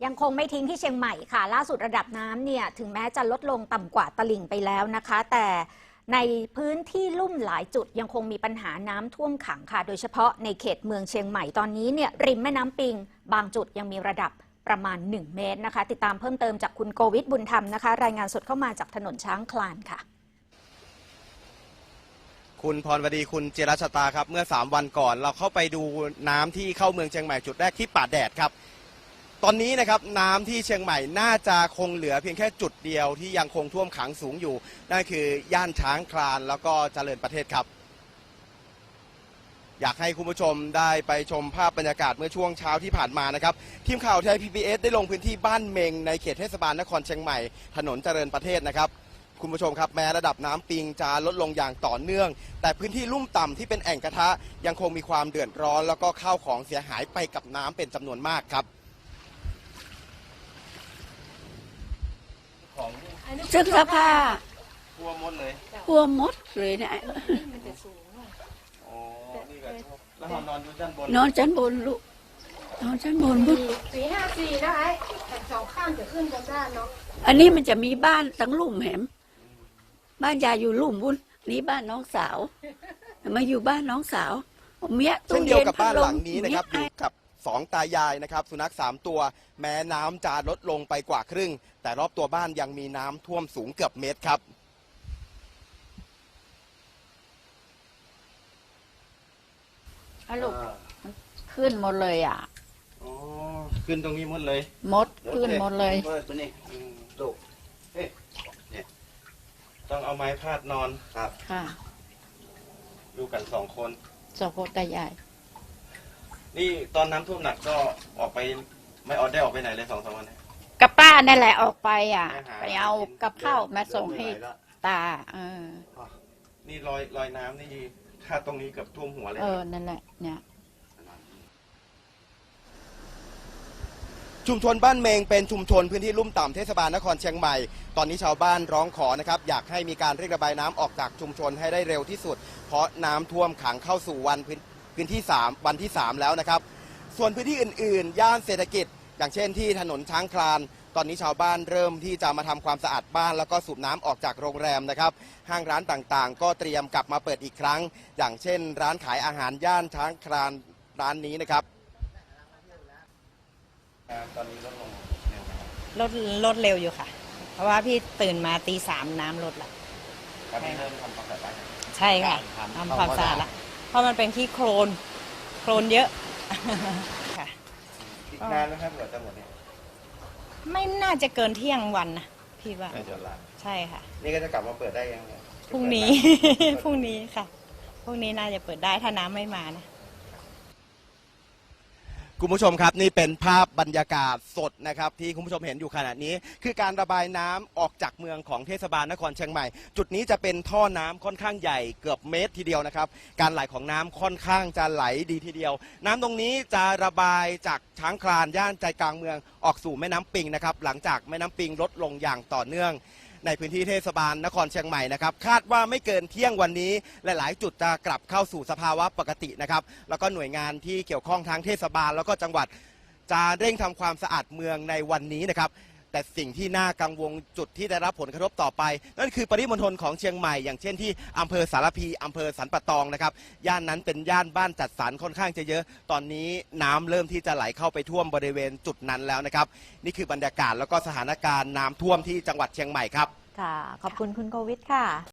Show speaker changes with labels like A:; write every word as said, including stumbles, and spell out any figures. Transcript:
A: ยังคงไม่ทิ้งที่เชียงใหม่ค่ะล่าสุดระดับน้ำเนี่ยถึงแม้จะลดลงต่ำกว่าตลิ่งไปแล้วนะคะ แต่ในพื้นที่ลุ่มหลายจุดยังคงมีปัญหาน้ำท่วมขังค่ะโดยเฉพาะในเขตเมืองเชียงใหม่ตอนนี้เนี่ยริมแม่น้ำปิงบางจุดยังมีระดับประมาณหนึ่งเมตรนะคะติดตามเพิ่มเติมจากคุณโกวิทบุญธรรมนะคะรายงานสดเข้ามาจากถนนช้างคลานค่ะ
B: คุณพรวดีคุณจิรชตาครับเมื่อสามวันก่อนเราเข้าไปดูน้ำที่เข้าเมืองเชียงใหม่จุดแรกที่ป่าแดดครับตอนนี้นะครับน้ำที่เชียงใหม่น่าจะคงเหลือเพียงแค่จุดเดียวที่ยังคงท่วมขังสูงอยู่นั่นคือย่านช้างคลานแล้วก็เจริญประเทศครับอยากให้คุณผู้ชมได้ไปชมภาพบรรยากาศเมื่อช่วงเช้าที่ผ่านมานะครับทีมข่าวไทย พี บี เอส ได้ลงพื้นที่บ้านเมงในเขตเทศบาลนครเชียงใหม่ถนนเจริญประเทศนะครับคุณผู้ชมครับแม้ระดับน้ำปิงจะลดลงอย่างต่อเนื่องแต่พื้นที่ลุ่มต่ำที่เป็นแอ่งกระทะยังคงมีความเดือดร้อนแล้วก็ข้าวของเสียหายไปกับน้ำเป็นจำนวนมากครับของ
C: เสื้อผ้า
B: พัวมดเลย
C: พัวมดเลยเนี่ย
B: อ๋อนี่ก็แล้วนอนอยู่ชั้นบน
C: นอนชั้นบนลูกนอนชั้นบนลูก
D: สี่ห้าสี่นะไอ้แต่สองข้างจะขึ้นกันได้เนาะ
C: อันนี้มันจะมีบ้านทั้งลุ่มแหมบ้านยายอยู่ลุ่มบุญนี่บ้านน้องสาวมาอยู่บ้านน้องสาวเมีย
B: เช่นเดียวกับบ้านหลังนี้นะครับอยู่กับสองตายายนะครับสุนัขสามตัวแม้น้ำจะลดลงไปกว่าครึ่งแต่รอบตัวบ้านยังมีน้ำท่วมสูงเกือบเมตรครับ
C: อะลูกขึ้นหมดเลยอ่ะ
B: อ๋อขึ้นตรงนี้หมดเลย
C: หมดขึ้นหมดเลย
B: ตัวนี้ลูกเอ๊ะเนี่ยต้องเอาไม้พาดนอนครับ
C: ค่ะ
B: อยู่กันสองคน
C: สองคนตายาย
B: นี่ตอนน้ำท่วมหนักก็ออกไปไม่ออกได้ออกไปไหนเลยสองสามวัน
C: กับป้านั่นแหละออกไปอ่ะไปเอากับข้าวมาส่งให้ตาเออ
B: นี่รอยรอยน้ำนี่ถ้าตรงนี้กับท่วมหัวเลย
C: เออนั่นแหละเนี่ย
B: ชุมชนบ้านเมงเป็นชุมชนพื้นที่ลุ่มต่ำเทศบาลนครเชียงใหม่ตอนนี้ชาวบ้านร้องขอนะครับอยากให้มีการเร่งระบายน้ำออกจากชุมชนให้ได้เร็วที่สุดเพราะน้ำท่วมขังเข้าสู่วันพื้นที่สามวันที่สามแล้วนะครับส่วนพื้นที่อื่นๆย่านเศรษฐกิจอย่างเช่นที่ถนนช้างคลานตอนนี้ชาวบ้านเริ่มที่จะมาทำความสะอาดบ้านแล้วก็สูบน้ำออกจากโรงแรมนะครับห้างร้านต่างๆก็เตรียมกลับมาเปิดอีกครั้งอย่างเช่นร้านขายอาหารย่านช้างคลานร้านนี้นะครับตอนนี้ลดลง
E: ลดลดเร็วอยู่ค่ะเพราะว่าพี่ตื่นมาตีสามน้ำลดละ
B: ตอนนี้เริ่มทำความสะอาด
E: ใช่ค่ะทำความสะอาดละเพราะมันเป็นที่โคลนโคลนเยอะค่ะ
B: อีกนานไหมครับเผื่อจะหมดเนี่ย
E: ไม่น่าจะเกินเที่ยงวันนะพี่ว่าใช่ค่ะ
B: นี่ก็จะกลับมาเปิดได้ยัง
E: พรุ่งนี้พรุ่งนี้ค่ะพรุ่งนี้น่าจะเปิดได้ถ้าน้ำไม่มานะ
B: คุณผู้ชมครับนี่เป็นภาพบรรยากาศสดนะครับที่คุณผู้ชมเห็นอยู่ขณะนี้คือการระบายน้ำออกจากเมืองของเทศบาลนครเชียงใหม่จุดนี้จะเป็นท่อน้ำค่อนข้างใหญ่เกือบเมตรทีเดียวนะครับการไหลของน้ำค่อนข้างจะไหลดีทีเดียวน้ำตรงนี้จะระบายจากช้างคลานย่านใจกลางเมืองออกสู่แม่น้ำปิงนะครับหลังจากแม่น้ำปิงลดลงอย่างต่อเนื่องในพื้นที่เทศบาลนครเชียงใหม่นะครับคาดว่าไม่เกินเที่ยงวันนี้หลายๆจุดจะกลับเข้าสู่สภาวะปกตินะครับแล้วก็หน่วยงานที่เกี่ยวข้องทั้งเทศบาลแล้วก็จังหวัดจะเร่งทำความสะอาดเมืองในวันนี้นะครับแต่สิ่งที่น่ากังวลจุดที่ได้รับผลกระทบต่อไปนั่นคือปริมณฑลของเชียงใหม่อย่างเช่นที่อำเภอสารพีอำเภอสันปะตองนะครับย่านนั้นเป็นย่านบ้านจัดสรรค่อนข้างจะเยอะตอนนี้น้ำเริ่มที่จะไหลเข้าไปท่วมบริเวณจุดนั้นแล้วนะครับนี่คือบรรยากาศแล้วก็สถานการณ์น้ำท่วมที่จังหวัดเชียงใหม่ครับ
A: ค่ะขอบคุณคุณโควิดค่ะ